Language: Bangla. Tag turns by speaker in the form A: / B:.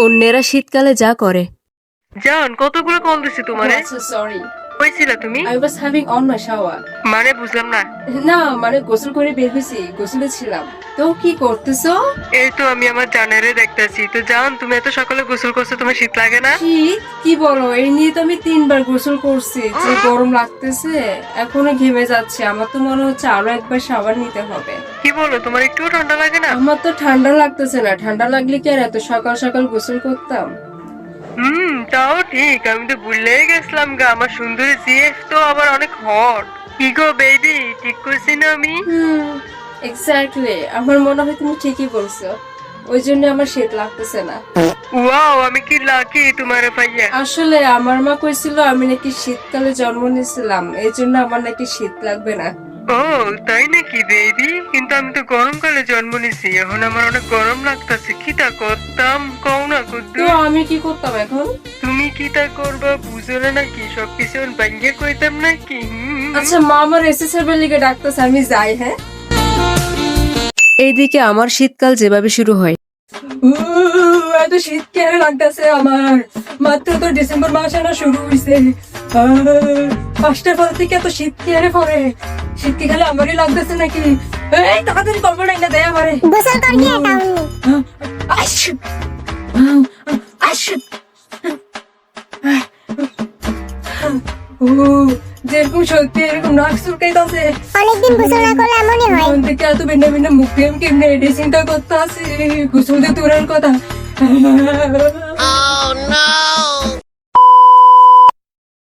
A: অন্যেরা শীতকালে যা করে।
B: জান কতগুলো কল দিছি তোমারে।
C: সরি,
B: কইছিলা তুমি?
C: I was having on my shower.
B: মানে বুঝলাম না।
C: না মানে গোসল করে বের হয়েছি, গোসলে ছিলাম। তো কি করতেছো?
B: এই তো আমি আমার জানেরে দেখতেছি। তো জান তুমি এত সকালে গোসল করছো, তোমার শীত লাগে না?
C: শীত? কি বলো, এই নিয়ে তো আমি 3 বার গোসল করছি, যে গরম লাগতেছে, এখনো ঘেমে যাচ্ছে। আমার তো মনে হচ্ছে আরো একবার শাওয়ার নিতে হবে।
B: কি বলো, তোমার একটুও ঠান্ডা লাগে না?
C: আমার তো ঠান্ডা লাগতেছে না, ঠান্ডা লাগলে কি আর এত সকাল সকাল গোসল করতাম?
B: তাও ঠিক। আমি তো ভুলেই গেছিলাম গা, আমার সুন্দরী জিএফ তো আবার অনেক হট। কি গো বেবি, ঠিক করছি না আমি?
C: এক্স্যাক্টলি, আমার মনে হয় তুমি ঠিকই বলছো। ওই জন্য আমার শীত লাগতেছে না।
B: ওয়াও, আমি কি লাকি তোমার ভাইয়া।
C: আসলে আমার মা কইছিল আমি নাকি শীতকালে জন্ম নিয়েছিলাম, এই জন্য আমার নাকি শীত লাগবে না।
B: ও তাই নাকি বেবি? কিন্তু আমি তো গরমকালে জন্ম নিছি, এখন আমার অনেক গরম লাগতেছে। কিটা করতাম কও না
C: তো
B: কুদ্দু।
C: আমি কি করতাম এখন?
B: তুমি কিটা করবা বুঝো না নাকি? সবকিছু ভাঙ্গে কইতাম নাকি?
C: আচ্ছা মা আমার এসএসএর লিগে ডাকতেছে, আমি যাই। হ্যাঁ,
A: এইদিকে আমার শীতকাল যেভাবে শুরু হয়,
C: এত শীত কেন লাগতেছে আমার? মাত্র তো ডিসেম্বর মাস না শুরু হইছে। 5টার পর থেকে এত শীত কেন পড়ে? শীত কি খালি আমারই লাগতেছে নাকি? এই তাড়াতাড়ি কম্বল না দেয় আমারে।
D: গোসল করবি এটা
C: আশ আশ ও, যেরকম সত্যি এরকম নাক চুলকাইতাছে।
D: অনেকদিন গোসল না করলে এমনই হয়।
C: মন থেকে এত ভিন্ন ভিন্ন মুখ দিয়ে আমি কেমনে এটি চিন্তা করতে আসি, গোসল দিয়ে দূরের কথা।